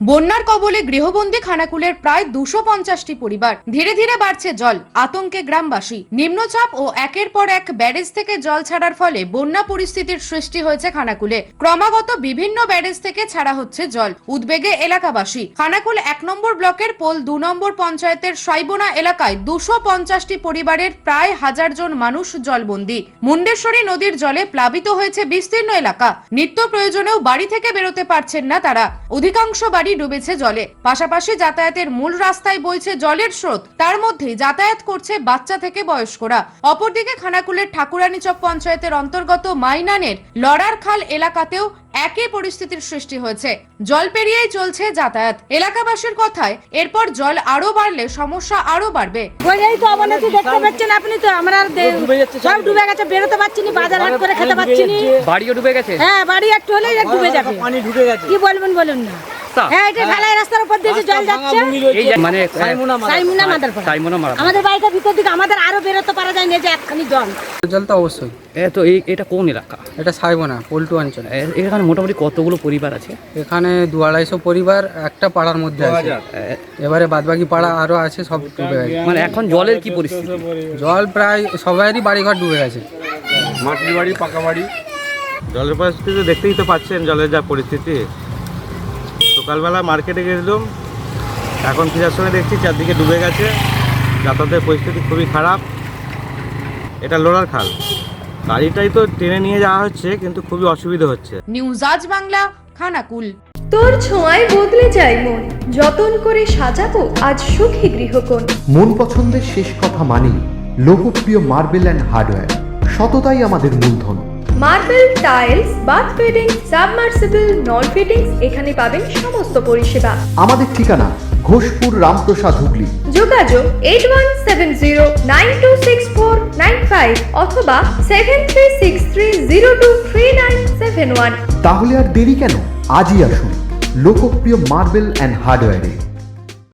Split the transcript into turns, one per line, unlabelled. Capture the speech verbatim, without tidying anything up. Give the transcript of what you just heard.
বন্যার কবলে গৃহবন্দী খানাকুলের প্রায় দুশো পঞ্চাশটি পরিবার। ধীরে ধীরে বাড়ছে জল, আতঙ্কে গ্রামবাসী। নিম্নচাপ ও একের পর এক ব্যারেজ থেকে জল ছাড়ার ফলে বন্যা পরিস্থিতির সৃষ্টি হয়েছে খানাকুলে। ক্রমাগত বিভিন্ন ব্যারেজ থেকে ছাড়া হচ্ছে জল, উদ্বেগে এলাকাবাসী। খানাকুল এক নম্বর ব্লকের পোল দু নম্বর পঞ্চায়েতের সাইবোনা এলাকায় দুশো পঞ্চাশটি পরিবারের প্রায় হাজার জন মানুষ জলবন্দী। মুন্ডেশ্বরী নদীর জলে প্লাবিত হয়েছে বিস্তীর্ণ এলাকা। নিত্য প্রয়োজনেও বাড়ি থেকে বেরোতে পারছেন না তারা। অধিকাংশ বাড়ি ডুবেছে জলে। পাশাপাশি যাতায়াতের মূল রাস্তায় বইছে জলের স্রোত, তার মধ্যেই যাতায়াত করছে বাচ্চা থেকে বয়স্করা। অপরদিকে খানাকুলের ঠাকুরানীচক পঞ্চায়েতের অন্তর্গত মাইনানের লড়ার খাল এলাকাতেও একই পরিস্থিতির সৃষ্টি হয়েছে। জল পেরিয়েই চলছে যাতায়াত। এলাকাবাসীর কথায় এরপর জল আরো বাড়লে সমস্যা আরো বাড়বে।
বলেই তো অবনতি দেখতে পাচ্ছেন আপনি, তো আমরা সব ডুবে গেছে, বেরোতে পারছি না, বাজার হাট করে খেতে পারছি না।
বাড়িও ডুবে গেছে?
হ্যাঁ, বাড়ি একটু হলেই ডুবে যাবে,
পানি ঢুকে গেছে।
কি বলবেন বলুন না। হ্যাঁ, এটা ঢালাই রাস্তার উপর দিয়ে জল যাচ্ছে।
এই মানে
সাইমুনা মাদারপাড়া,
সাইমোনা মারা
আমাদের বাড়িটা ভিতর দিকে, আমাদের আরো বেরোতে পারা যায় না, যে একখানি জল।
জল তো অবশ্যই।
এ তো এই এটা কোন এলাকা?
এটা সাইবোনা পল্টু অঞ্চল।
এ- এখানে মোটামুটি কতগুলো পরিবার আছে?
এখানে দু আড়াইশো পরিবার একটা পাড়ার মধ্যে আছে।
এ-
এবারে বাদবাকি পাড়া আরো আছে, সব ডুবে গেছে।
মানে এখন জলের কি পরিস্থিতি?
জল প্রায় সবাইয়েরই বাড়িঘর ডুবে গেছে।
মাটির বাড়ি, পাকা বাড়ি। জলের পরিস্থিতি তো দেখতেই তো পাচ্ছেন, জলের যা পরিস্থিতি। সকালবেলা মার্কেটে গেছিলাম, এখন ফেরার সময় দেখছি চারদিকে ডুবে গেছে। যাতায়াতের পরিস্থিতি খুবই খারাপ। এটা লোড়ার খাল, গাড়িটাই তো টেনে নিয়ে যাওয়া হচ্ছে, কিন্তু খুবই অসুবিধা হচ্ছে।
নিউজ আজ বাংলা, খানাকুল।
তোর ছোঁয়ায় বদলে যায় মন, যতন করে সাজাবো আজ সুখী গৃহকোণ।
মন পছন্দের শেষ কথা মানি লোকপ্রিয় মার্বেল অ্যান্ড হার্ডওয়্যার, সততাই আমাদের মূলধন।
Marble, tiles, bath fitting, submersible, নল ফিটিংস, এখানে পাবেন সমস্ত পরিষেবা।
আমাদের ঠিকানা ঘোষপুর, রামপ্রসাদ, হুগলি।
যোগাযোগ eight one seven zero nine two six four nine five অথবা seven three six three zero two three nine seven one.
তাহলে আর দেরি কেন, আজই আসুন লোকপ্রিয় মার্বেল অ্যান্ড হার্ডওয়্যারে।